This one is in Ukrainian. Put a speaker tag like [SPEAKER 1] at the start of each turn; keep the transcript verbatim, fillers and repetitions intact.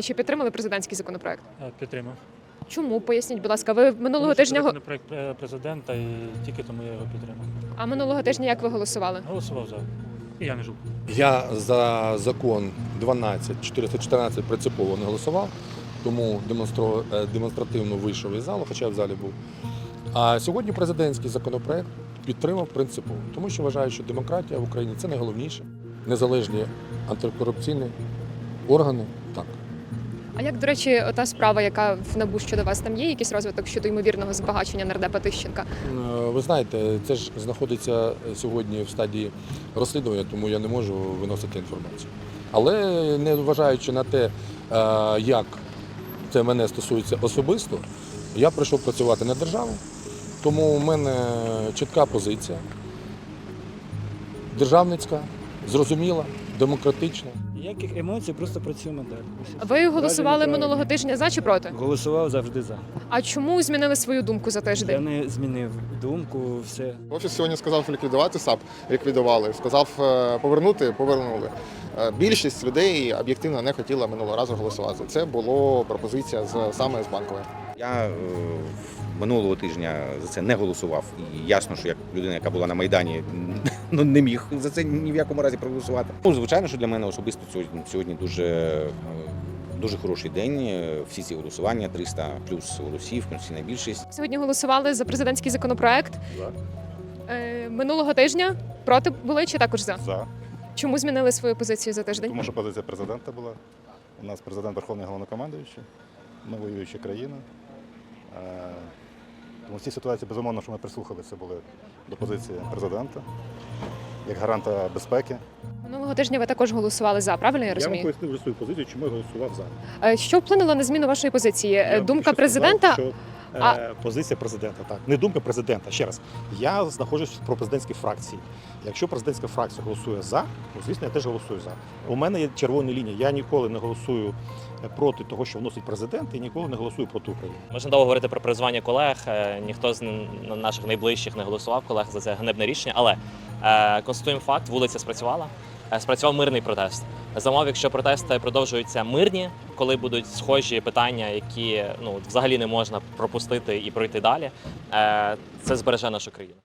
[SPEAKER 1] чи підтримали президентський законопроект?
[SPEAKER 2] Підтримав.
[SPEAKER 1] Чому? Поясніть, будь ласка, ви минулого
[SPEAKER 2] Тому що
[SPEAKER 1] тижня
[SPEAKER 2] це
[SPEAKER 1] го-
[SPEAKER 2] законопроект президента, і тільки тому я його підтримав.
[SPEAKER 1] а минулого тижня як ви голосували?
[SPEAKER 2] Голосував за. І я не жив.
[SPEAKER 3] Я за закон дванадцять чотириста чотирнадцять принципово не голосував, тому демонстро- е, демонстративно вийшов із залу, хоча в залі був. А сьогодні президентський законопроект підтримав принципово, тому що вважаю, що демократія в Україні це найголовніше. Незалежні антикорупційні органи. Так.
[SPEAKER 1] А як, до речі, та справа, яка в НАБУ щодо вас, там є якийсь розвиток щодо ймовірного збагачення нардепа Тищенка?
[SPEAKER 3] Е, Ви знаєте, це ж знаходиться сьогодні в стадії розслідування, тому я не можу виносити інформацію. Але не вважаючи на те, е, як це мене стосується особисто, я прийшов працювати на державу, тому у мене чітка позиція, державницька, зрозуміла, демократична.
[SPEAKER 4] Ніяких емоцій, просто працюємо далі.
[SPEAKER 1] Ви голосували
[SPEAKER 4] Правильно,
[SPEAKER 1] минулого тижня за чи проти?
[SPEAKER 4] Голосував завжди за.
[SPEAKER 1] А чому змінили свою думку за
[SPEAKER 4] Я
[SPEAKER 1] тиждень?
[SPEAKER 4] не змінив думку, все.
[SPEAKER 5] Офіс сьогодні сказав ліквідувати САП, ліквідували. Сказав е, повернути, повернули. Е, Більшість людей об'єктивно не хотіла минулого разу голосувати. Це була пропозиція з саме з Банкової.
[SPEAKER 6] Я е, минулого тижня за це не голосував. І ясно, що як людина, яка була на Майдані, ну, не міг за це ні в якому разі проголосувати. Ну, звичайно, що для мене особисто сьогодні, сьогодні дуже, е, дуже хороший день. Всі ці голосування, триста плюс голосів, конституційна більшість.
[SPEAKER 1] Сьогодні голосували за президентський законопроект. Е, минулого тижня проти були чи також за?
[SPEAKER 7] За.
[SPEAKER 1] Чому змінили свою позицію за тиждень?
[SPEAKER 7] Тому що позиція президента була. У нас президент Верховний головнокомандуючий, ми воююча країна. Е, Тому в цій ситуації, безумовно, що ми прислухалися були до позиції президента як гаранта безпеки.
[SPEAKER 1] Минулого тижня ви також голосували за, правильно я
[SPEAKER 8] Я вам
[SPEAKER 1] розумію?
[SPEAKER 8] пояснив вже свою позицію, чому я голосував за.
[SPEAKER 1] Е, Що вплинуло на зміну вашої позиції? Е,
[SPEAKER 8] Я
[SPEAKER 1] Думка
[SPEAKER 8] ще сказав,
[SPEAKER 1] президента?
[SPEAKER 8] що, е,
[SPEAKER 1] А-
[SPEAKER 8] Позиція президента, так. Не думка президента. Ще раз. Я знаходжусь в пропрезидентській фракції. Якщо президентська фракція голосує за, то, звісно, я теж голосую за. У мене є червона лінія. Я ніколи не голосую проти того, що вносить президент, і ніколи не голосую проти України.
[SPEAKER 9] Можна довго говорити про призвання колег. Е, Ніхто з н- наших найближчих не голосував колег за це ганебне рішення. Але е, констатуємо факт: вулиця спрацювала. Е, Спрацював мирний протест. За умов, якщо протести продовжуються мирні, коли будуть схожі питання, які ну взагалі не можна пропустити і пройти далі, е, це збереже нашу країну.